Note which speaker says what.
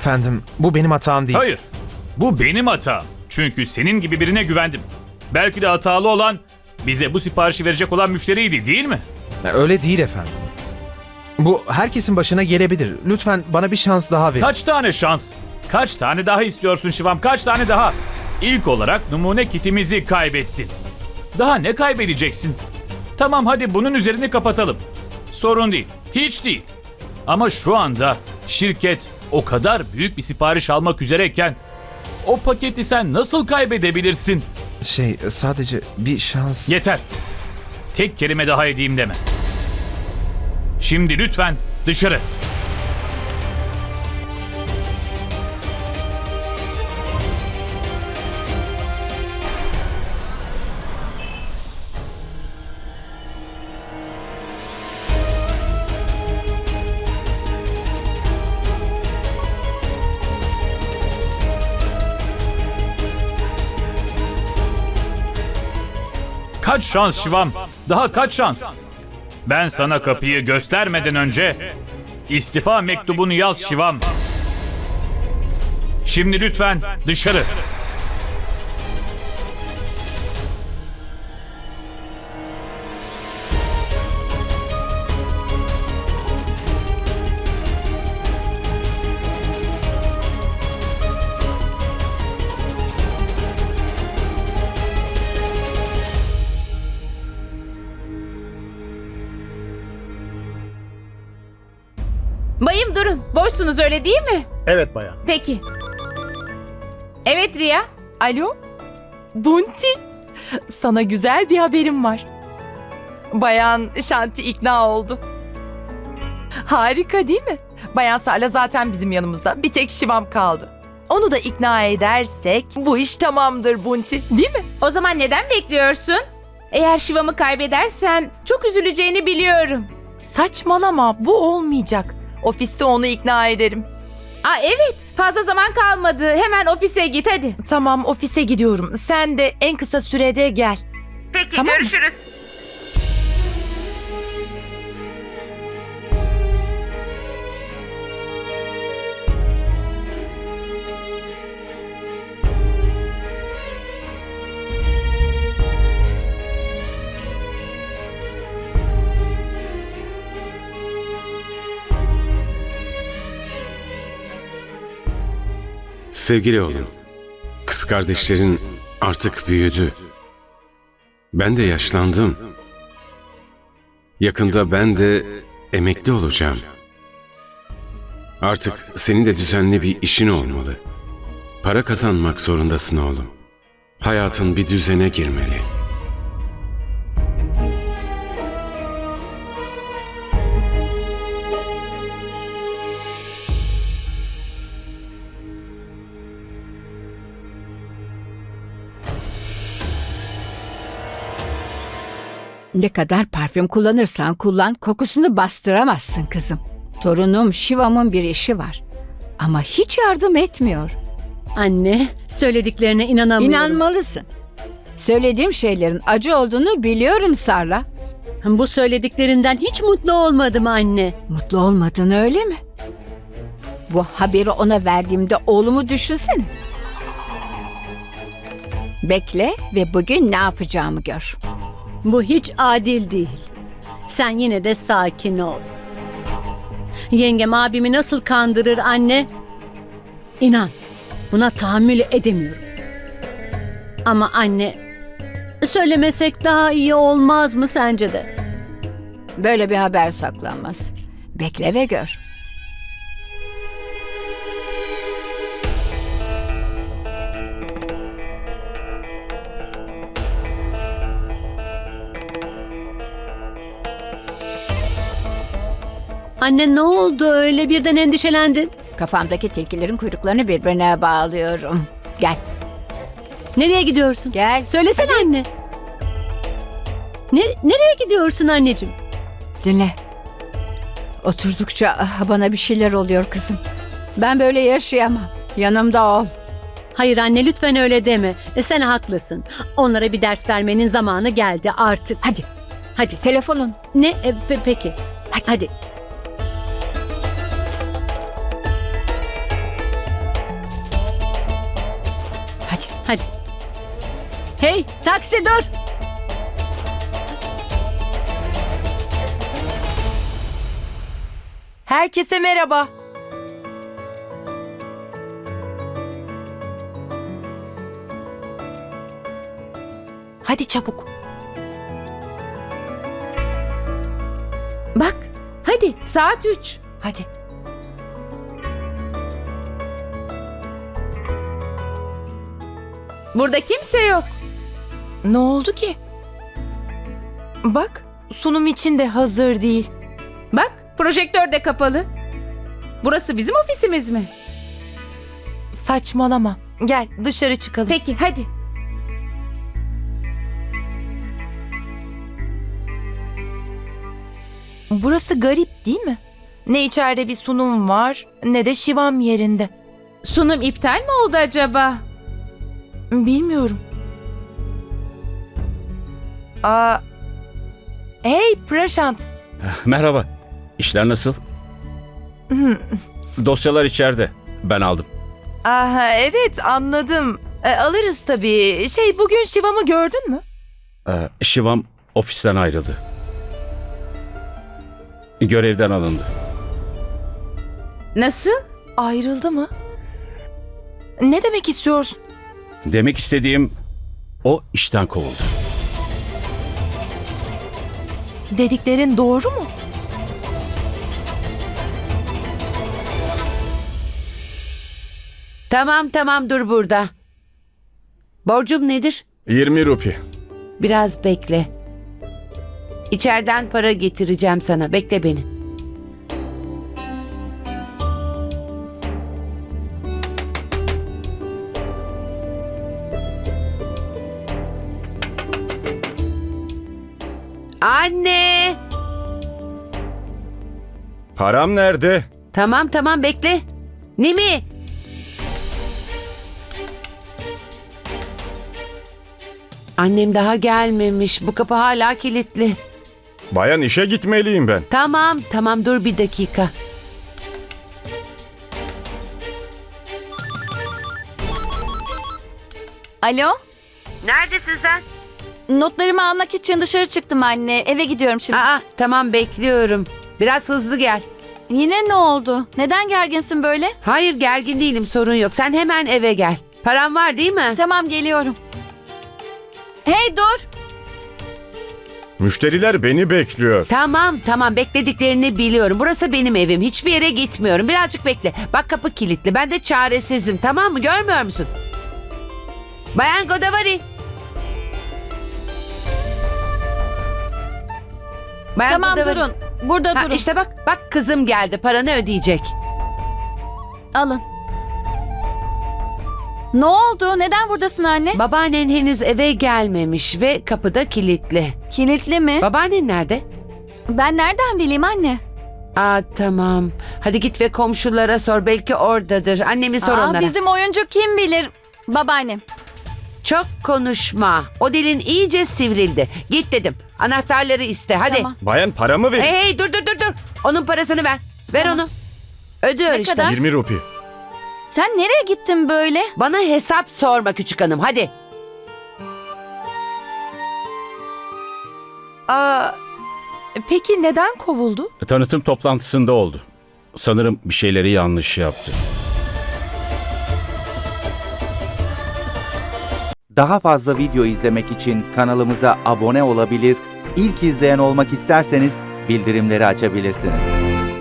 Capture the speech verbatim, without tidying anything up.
Speaker 1: Efendim, bu benim hatam değil.
Speaker 2: Hayır. Bu benim hatam. Çünkü senin gibi birine güvendim. Belki de hatalı olan bize bu siparişi verecek olan müşteriydi, değil mi?
Speaker 1: Öyle değil efendim. Bu herkesin başına gelebilir. Lütfen bana bir şans daha verin.
Speaker 2: Kaç tane şans? Kaç tane daha istiyorsun Şivam? Kaç tane daha? İlk olarak numune kitimizi kaybettin. Daha ne kaybedeceksin? Tamam, hadi bunun üzerini kapatalım. Sorun değil. Hiç değil. Ama şu anda şirket o kadar büyük bir sipariş almak üzereyken o paketi sen nasıl kaybedebilirsin?
Speaker 1: Şey, sadece bir şans...
Speaker 2: Yeter. Tek kelime daha edeyim deme. Şimdi lütfen dışarı. Kaç şans Şivam? Daha kaç şans? Ben sana kapıyı göstermeden önce istifa mektubunu yaz Şivam. Şimdi lütfen dışarı.
Speaker 3: Bayım durun. Boşsunuz öyle değil mi?
Speaker 4: Evet bayan.
Speaker 3: Peki. Evet Riya.
Speaker 5: Alo? Bunti, sana güzel bir haberim var. Bayan Shanti ikna oldu. Harika değil mi? Bayan Sarla zaten bizim yanımızda. Bir tek Şivam kaldı. Onu da ikna edersek bu iş tamamdır Bunti, değil mi?
Speaker 3: O zaman neden bekliyorsun? Eğer Şivam'ı kaybedersen çok üzüleceğini biliyorum.
Speaker 5: Saçmalama, bu olmayacak. Ofiste onu ikna ederim.
Speaker 3: Aa evet. Fazla zaman kalmadı. Hemen ofise git hadi.
Speaker 5: Tamam, ofise gidiyorum. Sen de en kısa sürede gel.
Speaker 3: Peki
Speaker 5: Tamam mı?
Speaker 3: görüşürüz.
Speaker 6: Sevgili oğlum, kız kardeşlerin artık büyüdü. Ben de yaşlandım. Yakında ben de emekli olacağım. Artık senin de düzenli bir işin olmalı. Para kazanmak zorundasın oğlum. Hayatın bir düzene girmeli.
Speaker 7: Ne kadar parfüm kullanırsan kullan, kokusunu bastıramazsın kızım. Torunum Şivam'ın bir işi var. Ama hiç yardım etmiyor.
Speaker 8: Anne, söylediklerine inanamıyorum.
Speaker 7: İnanmalısın. Söylediğim şeylerin acı olduğunu biliyorum Sarla.
Speaker 8: Bu söylediklerinden hiç mutlu olmadım anne.
Speaker 7: Mutlu olmadın öyle mi? Bu haberi ona verdiğimde oğlumu düşünsene. Bekle ve bugün ne yapacağımı gör.
Speaker 8: Bu hiç adil değil. Sen yine de sakin ol. Yengem abimi nasıl kandırır anne? İnan, buna tahammül edemiyorum. Ama anne, söylemesek daha iyi olmaz mı sence de?
Speaker 7: Böyle bir haber saklanmaz. Bekle ve gör.
Speaker 8: Anne ne oldu öyle birden endişelendin?
Speaker 7: Kafamdaki tilkilerin kuyruklarını birbirine bağlıyorum. Gel,
Speaker 8: Nereye gidiyorsun?
Speaker 7: gel.
Speaker 8: Söylesene anne. Ne, nereye gidiyorsun anneciğim?
Speaker 7: Dinle. Oturdukça ah, bana bir şeyler oluyor kızım. Ben böyle yaşayamam. Yanımda ol.
Speaker 8: Hayır anne lütfen öyle deme. E, sen haklısın. Onlara bir ders vermenin zamanı geldi artık.
Speaker 7: Hadi,
Speaker 8: Hadi.
Speaker 7: telefonun.
Speaker 8: Ne? E, pe- peki. Hadi. Hadi. Hadi. Hey taksi dur.
Speaker 5: Herkese merhaba. Hadi çabuk.
Speaker 3: Bak, hadi saat üç.
Speaker 5: Hadi.
Speaker 3: Burada kimse yok.
Speaker 5: Ne oldu ki? Bak, sunum için de hazır değil.
Speaker 3: Bak, projektör de kapalı. Burası bizim ofisimiz mi?
Speaker 5: Saçmalama. Gel dışarı çıkalım.
Speaker 3: Peki, hadi.
Speaker 5: Burası garip değil mi? Ne içeride bir sunum var ne de Şivam yerinde.
Speaker 3: Sunum iptal mi oldu acaba?
Speaker 5: Bilmiyorum. Aa, hey Prashant.
Speaker 4: Merhaba. İşler nasıl? Dosyalar içeride. Ben aldım.
Speaker 5: Aha, evet anladım. E, alırız tabii. Şey bugün Şivam'ı gördün mü?
Speaker 4: Ee, Şivam ofisten ayrıldı. Görevden alındı.
Speaker 3: Nasıl?
Speaker 5: Ayrıldı mı? Ne demek istiyorsun?
Speaker 4: Demek istediğim o işten kovuldu.
Speaker 5: Dediklerin doğru mu?
Speaker 9: Tamam tamam dur burada. Borcum nedir?
Speaker 4: yirmi rupi.
Speaker 9: Biraz bekle. İçeriden para getireceğim sana. Bekle beni. Anne!
Speaker 4: Param nerede?
Speaker 9: Tamam tamam bekle. Nimi? Annem daha gelmemiş. Bu kapı hala kilitli.
Speaker 4: Bayan işe gitmeliyim ben.
Speaker 9: Tamam tamam dur bir dakika.
Speaker 10: Alo?
Speaker 9: Neredesin sen?
Speaker 10: Notlarımı almak için dışarı çıktım anne. Eve gidiyorum şimdi.
Speaker 9: Aa tamam bekliyorum. Biraz hızlı gel.
Speaker 10: Yine ne oldu? Neden gerginsin böyle?
Speaker 9: Hayır gergin değilim sorun yok. Sen hemen eve gel. Paran var değil mi?
Speaker 10: Tamam geliyorum. Hey dur!
Speaker 4: Müşteriler beni bekliyor.
Speaker 9: Tamam tamam beklediklerini biliyorum. Burası benim evim. Hiçbir yere gitmiyorum. Birazcık bekle. Bak kapı kilitli. Ben de çaresizim. Tamam mı? Görmüyor musun? Bayan Godavari. Bayan
Speaker 10: Tamam
Speaker 9: Godavari.
Speaker 10: durun. Burada
Speaker 9: Ha,
Speaker 10: durun.
Speaker 9: işte bak bak kızım geldi. Paranı ödeyecek.
Speaker 10: Alın. Ne oldu? Neden buradasın anne?
Speaker 9: Babaannen henüz eve gelmemiş ve kapıda kilitli.
Speaker 10: Kilitli mi?
Speaker 9: Babaannen nerede?
Speaker 10: Ben nereden bileyim anne?
Speaker 9: Aa tamam. Hadi git ve komşulara sor. Belki oradadır. Annemi sor
Speaker 10: Aa,
Speaker 9: onlara.
Speaker 10: bizim oyuncu kim bilir? Babaannem.
Speaker 9: Çok konuşma. O dilin iyice sivrildi. Git dedim. Anahtarları iste. Hadi.
Speaker 10: Tamam.
Speaker 4: Bayan paramı
Speaker 9: Hey hey dur dur dur dur. Onun parasını ver. Ver
Speaker 10: Tamam.
Speaker 9: onu. Ödüyor
Speaker 10: Ne
Speaker 9: işte.
Speaker 10: kadar?
Speaker 4: yirmi rupi.
Speaker 10: Sen nereye gittin böyle?
Speaker 9: Bana hesap sorma küçük hanım. Hadi.
Speaker 5: Aa, peki neden kovuldu?
Speaker 4: Tanıtım toplantısında oldu. Sanırım bir şeyleri yanlış yaptı.
Speaker 11: Daha fazla video izlemek için kanalımıza abone olabilir, ilk izleyen olmak isterseniz bildirimleri açabilirsiniz.